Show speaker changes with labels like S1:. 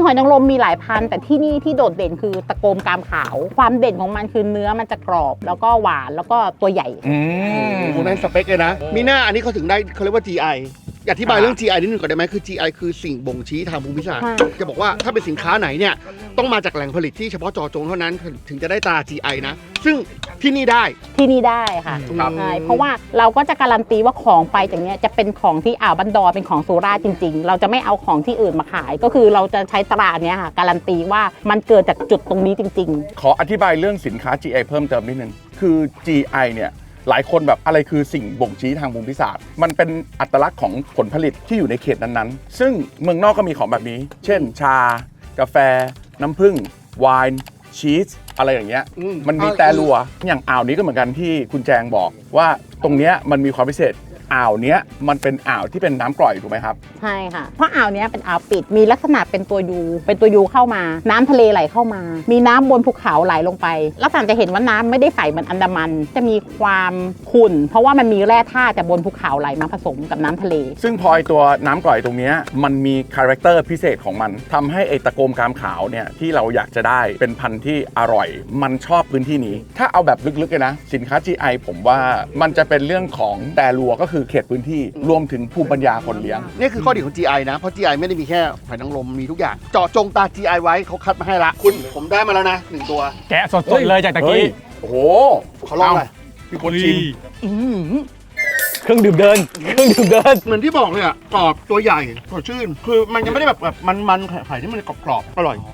S1: อยนางรมมีหลายพันธุ์แต่ที่นี่ที่โดดเด่นคือตะโกมกามขาวความเด่นของมันคือเนื้อมันจะกรอบแล้วก็หวานแล้วก็ตัวใหญ่
S2: นั่นสเปคเลยนะมีหน้าอันนี้เขาถึงได้เขาเรียกว่า GI อธิบายเรื่อง GI นิดนึงก่อนได้ไหมคือ GI คือสิ่งบ่งชี้ทางภูมิศาสตร์จะบอกว่าถ้าเป็นสินค้าไหนเนี่ยต้องมาจากแหล่งผลิตที่เฉพาะเจาะจงเท่านั้นถึงจะได้ตรา GI นะซึ่งที่นี่ได้
S1: ค่ะ
S2: ครับ
S1: ใช่เพราะว่าเราก็จะการันตีว่าของไปจากเนี้ยจะเป็นของที่อ่าวบันดอนเป็นของสุราษฎร์จริงๆเราจะไม่เอาของที่อื่นมาขายก็คือเราจะใช้ตราเนี้ยค่ะการันตีว่ามันเกิดจากจุดตรงนี้จริง
S3: ขออธิบายเรื่องสินค้า GI เพิ่มเติมนิดนึงคือ GI เนี่ยหลายคนแบบอะไรคือสิ่งบ่งชี้ทางภูมิศาสตร์มันเป็นอัตลักษณ์ของผลผลิตที่อยู่ในเขตนั้นๆซึ่งเมืองนอกก็มีของแบบนี้เช่นชากาแฟน้ำผึ้งไวน์ชีสอะไรอย่างเงี้ยมันมีแต่รัวอย่างอ่าวนี้ก็เหมือนกันที่คุณแจงบอกว่าตรงเนี้ยมันมีความพิเศษอ่าวเนี้ยมันเป็นอ่าวที่เป็นน้ำกร่อยถูกไหมครับ
S1: ใช่ค่ะเพราะอ่าวเนี้ยเป็นอ่าวปิดมีลักษณะเป็นตัวยูเข้ามาน้ำทะเลไหลเข้ามามีน้ำบนภูเขาไหลลงไปลักษณะจะเห็นว่าน้ำไม่ได้ใสเหมือนอันดามันจะมีความขุ่นเพราะว่ามันมีแร่ธาตุจากบนภูเขาไหลมาผสมกับน้ำทะเล
S3: ซึ่งพอไอตัวน้ำกร่อยตรงเนี้ยมันมีคาแรคเตอร์พิเศษของมันทำให้ไอตะโกมกามขาวเนี่ยที่เราอยากจะได้เป็นพันธุ์ที่อร่อยมันชอบพื้นที่นี้ถ้าเอาแบบลึกๆเลยนะสินค้า GI ผมว่ามันจะเป็นเรื่องของแต่รัวก็คือเขตพื้นที่รวมถึงภูมิปัญญาคนเลี้ยง
S2: นี่คือข้อดีของ GI นะเพราะ GI ไม่ได้มีแค่หอยนางรมมีทุกอย่างเจาะจงตา GI ไว้เขาคัดมาให้ละคุณผมได้มาแล้วนะ1ตัว
S4: แกะสดๆเลยจากตะกี้
S3: โอ้โห
S2: เขาลองเลย
S3: พี่คนชิม
S4: เครื่องดื่มเดิน
S2: เหมือนที่บอกเลยอ่ะกรอบตัวใหญ่สดชื่นคือมันยังไม่ได้แบบมันไข่ที่มันกรอบๆอร่อย